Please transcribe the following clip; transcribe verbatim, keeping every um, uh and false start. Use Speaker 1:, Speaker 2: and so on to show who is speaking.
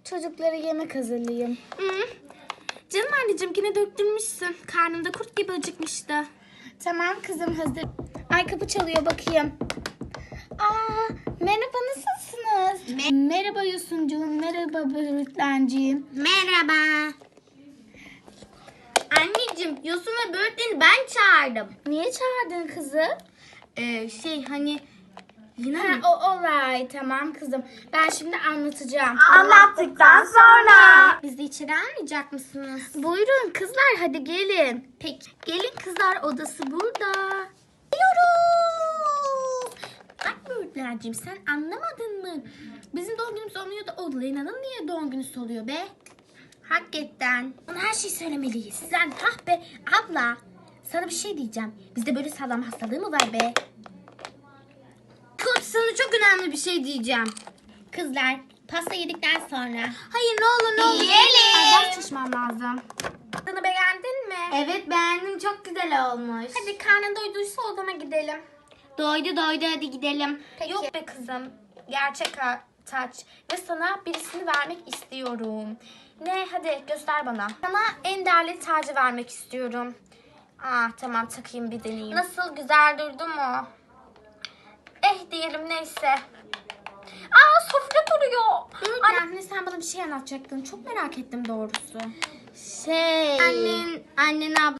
Speaker 1: çocuklara yemek hazırlayayım.
Speaker 2: Hı. Canım anneciğim yine döktürmüşsün. Karnımda kurt gibi acıkmıştı.
Speaker 1: Tamam kızım, hazır. Ay, kapı çalıyor, bakayım. Aa, merhaba, nasılsınız?
Speaker 2: Me-
Speaker 1: merhaba Yusuncuğum, merhaba Böğürtlenciğim.
Speaker 2: Merhaba. Anneciğim Yosun ve Böğürtlen'i ben çağırdım.
Speaker 1: Niye çağırdın kızı?
Speaker 2: Ee, şey hani yine
Speaker 1: Ha,
Speaker 2: mi?
Speaker 1: o alright, tamam kızım. Ben şimdi anlatacağım.
Speaker 2: Anlattıktan sonra. Bizi içeri almayacak mısınız?
Speaker 1: Buyurun kızlar, hadi gelin.
Speaker 2: Peki. Gelin kızlar, odası burada. Geliyoruz. Bak Böğürtlenciğim, sen anlamadın mı? Bizim doğum günümüz olmuyor da o Lena'nın niye doğum günü oluyor be? Hakikaten. Ona her şeyi söylemeliyiz. Sen hah be abla. Sana bir şey diyeceğim. Bizde böyle sağlam hastalığı mı var be? Kurt, sana çok önemli bir şey diyeceğim. Kızlar, pasta yedikten sonra. Hayır, ne olur ne olur.
Speaker 1: Yiyelim.
Speaker 2: Ay, ders çalışmam lazım. Tadını beğendin mi? Evet, beğendim. Çok güzel olmuş. Hadi karnın doyduysa odama gidelim. Doydu doydu, hadi gidelim.
Speaker 1: Peki.
Speaker 2: Yok be kızım. Gerçek ha- taç. Ve sana birisini vermek istiyorum. Ne? Hadi göster bana. Sana en değerli tacı vermek istiyorum. Ah tamam, takayım bir deneyeyim. Nasıl, güzel durdu mu? Eh diyelim, neyse. Aa, sofra duruyor. Anne, sen bana bir şey anlatacaktın. Çok merak ettim doğrusu.
Speaker 1: Şey...
Speaker 2: Annen, annen abla.